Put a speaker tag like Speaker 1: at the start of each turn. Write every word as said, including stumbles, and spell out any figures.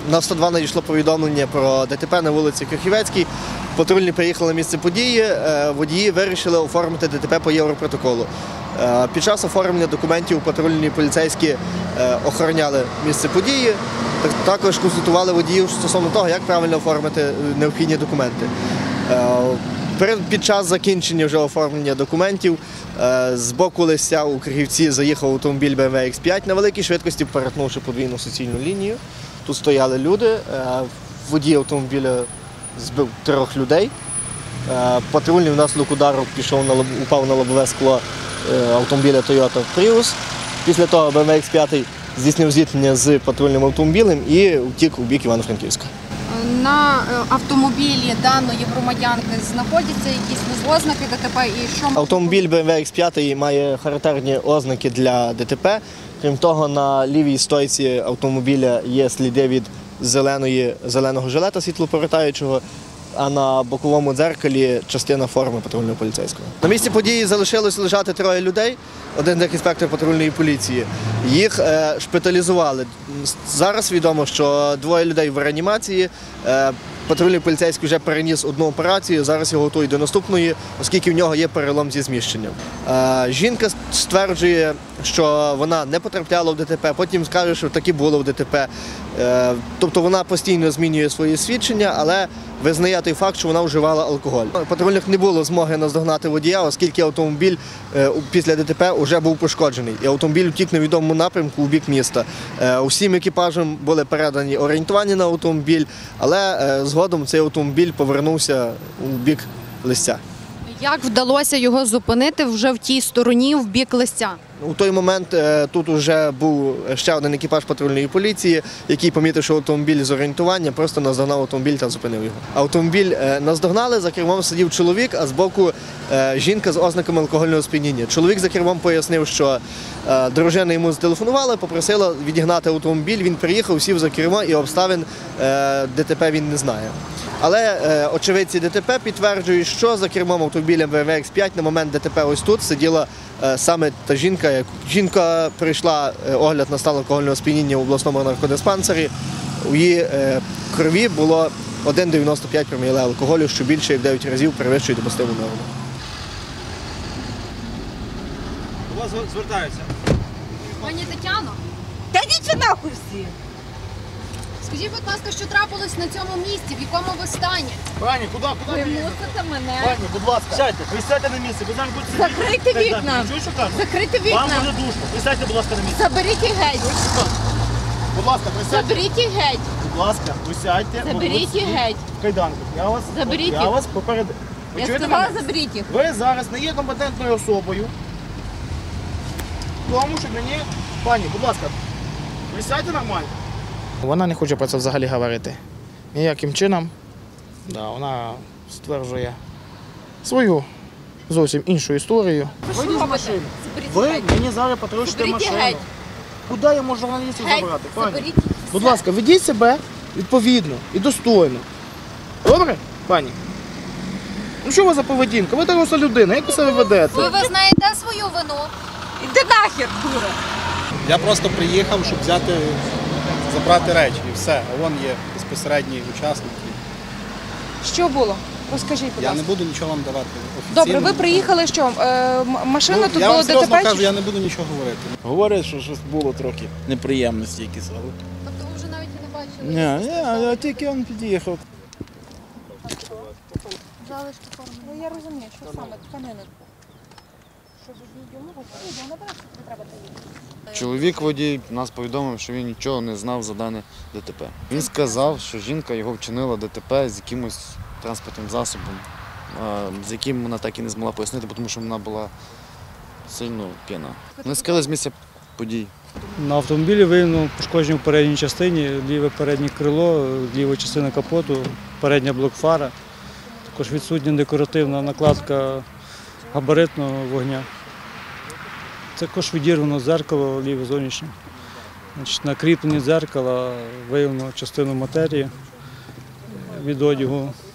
Speaker 1: на сто два надійшло повідомлення про ДТП на вулиці Крихівецькій. Патрульні приїхали на місце події, водії вирішили оформити ДТП по Європротоколу. Під час оформлення документів патрульні поліцейські охороняли місце події, також консультували водіїв стосовно того, як правильно оформити необхідні документи. Під час закінчення вже оформлення документів з боку Листя у Крихівці заїхав автомобіль Бе Ем Ве Ікс п'ять на великій швидкості, перетнувши подвійну суцільну лінію. Тут стояли люди, водій автомобіля збив трьох людей. Патрульний внаслідок удару пішов на, упав на лобове скло автомобіля Тойота Пріус. Після того Бе Ем Ве Ікс п'ять здійснив зіткнення з патрульним автомобілем і втік у бік Івано-Франківська.
Speaker 2: На автомобілі даної громадянки знаходяться якісь ознаки ДТП і що?
Speaker 1: Автомобіль Бе Ем Ве Ікс п'ять має характерні ознаки для ДТП. Крім того, на лівій стойці автомобіля є сліди від зеленої, зеленого жилета світлоповертаючого, а на боковому дзеркалі частина форми патрульного поліцейського. На місці події залишилось лежати троє людей, один інспектор патрульної поліції. Їх е, шпиталізували. Зараз відомо, що двоє людей в реанімації. Е, Патрульний поліцейський вже переніс одну операцію, зараз його готують до наступної, оскільки в нього є перелом зі зміщенням. Е, жінка стверджує, що вона не потрапляла в ДТП, потім скаже, що таки було в ДТП. Е, тобто вона постійно змінює свої свідчення, але визнає той факт, що вона вживала алкоголь. Патрульних не було змоги наздогнати водія, оскільки автомобіль е, після ДТП вже був пошкоджений. І автомобіль втік на відомому напрямку у бік міста. Е, усім екіпажам були передані орієнтування на автомобіль, але е, згодом цей автомобіль повернувся у бік Листя.
Speaker 2: Як вдалося його зупинити вже в тій стороні, в бік Листя?
Speaker 1: У той момент тут вже був ще один екіпаж патрульної поліції, який, помітивши автомобіль з орієнтування, просто наздогнав автомобіль та зупинив його. Автомобіль наздогнали, за кермом сидів чоловік, а збоку жінка з ознаками алкогольного сп'яніння. Чоловік за кермом пояснив, що дружина йому зателефонувала, попросила відігнати автомобіль, він приїхав, сів за кермо і обставин ДТП він не знає. Але е, очевидці ДТП підтверджують, що за кермом автомобіля Бе Ем Ве Ікс п'ять на момент ДТП ось тут сиділа е, саме та жінка. Як... Жінка пройшла е, огляд на стан алкогольного сп'яніння в обласному наркодиспансері. У її е, крові було один цілих дев'яносто п'ять проміле алкоголю, що більше як дев'ять разів перевищує допустиму норму.
Speaker 3: До вас звертаються.
Speaker 2: Пані Тетяно,
Speaker 4: Та йдіть нахуй всі!
Speaker 2: скажіть, будь ласка, що трапилось на цьому місці, в якому ви стані?
Speaker 3: Пані, куди, куди?
Speaker 4: Ви мусите мене.
Speaker 3: Пані, будь ласка. Сядьте, ви сядьте на місце, ви зараз будете сидіти.
Speaker 4: Закрийте
Speaker 3: Так,
Speaker 4: вікна.
Speaker 3: так, чуєш, що кажу?
Speaker 4: Закрийте
Speaker 3: Вам
Speaker 4: вікна.
Speaker 3: дуже душно. Ви сядьте, будь ласка, на місце.
Speaker 4: Заберіть їх геть.
Speaker 3: Чуєш, що кажу? Будь ласка, присядьте.
Speaker 4: Заберіть їх геть.
Speaker 3: Будь ласка, присядьте.
Speaker 4: Заберіть їх геть.
Speaker 3: В кайданках. Я вас,
Speaker 4: Заберіть
Speaker 3: я
Speaker 4: їх.
Speaker 3: вас попередив. Ви
Speaker 4: Я
Speaker 3: чуєте
Speaker 4: сказала,
Speaker 3: мене?
Speaker 4: заберіть їх.
Speaker 3: Ви зараз не є компетентною особою. Тому що мені... Пані, будь ласка, присядьте нормально. Вона не хоче про це взагалі говорити. Ніяким чином. Да, вона стверджує свою зовсім іншу історію.
Speaker 4: Ви що робите? Заберіть
Speaker 3: Ви
Speaker 4: їх геть.
Speaker 3: мені зараз потрощите
Speaker 4: Заберіть
Speaker 3: машину.
Speaker 4: геть.
Speaker 3: Куди я можу журналістів
Speaker 4: Геть.
Speaker 3: забрати? Пані?
Speaker 4: Заберіть.
Speaker 3: Будь ласка, ведіть себе відповідно і достойно. Добре, пані? Ну що у вас за поведінка? Ви доросла людина, як ви себе ведете?
Speaker 2: Ви визнаєте свою вину?
Speaker 4: Іди нахер, дура.
Speaker 5: Я просто приїхав, щоб взяти, забрати речі і все. А вон є безпосередній учасник.
Speaker 6: Що було? Розкажіть, будь
Speaker 5: Я
Speaker 6: ласка.
Speaker 5: не буду нічого вам давати офіційно.
Speaker 6: Добре, ви приїхали, що е, м- машина
Speaker 5: Ну,
Speaker 6: тут
Speaker 5: я
Speaker 6: було
Speaker 5: вам серйозно
Speaker 6: ДТП?
Speaker 5: кажу,
Speaker 6: чи
Speaker 5: я не буду нічого говорити.
Speaker 7: Говорять, що щось було трохи неприємності якісь, але...
Speaker 2: Тобто ви вже навіть і не бачили?
Speaker 7: Ні, ні, я тільки він під'їхав.
Speaker 2: Залишки форми.
Speaker 6: Ну, я розумію, що саме тканини. Щоб йому відео набрати, не треба поїхати.
Speaker 8: Чоловік водій нас повідомив, що він нічого не знав за дане ДТП. Він сказав, що жінка його вчинила ДТП з якимось транспортним засобом, з яким вона так і не змогла пояснити, тому що вона була сильно п'яна. Ми скрили з місця подій.
Speaker 9: На автомобілі виявлено пошкодження в передній частині, ліве переднє крило, ліва частина капоту, передня блокфара. Також відсутня декоративна накладка габаритного вогня. Також відірвано дзеркало ліве зовнішнє. Значить, на кріпленні дзеркала виявлено частину матерії від одягу.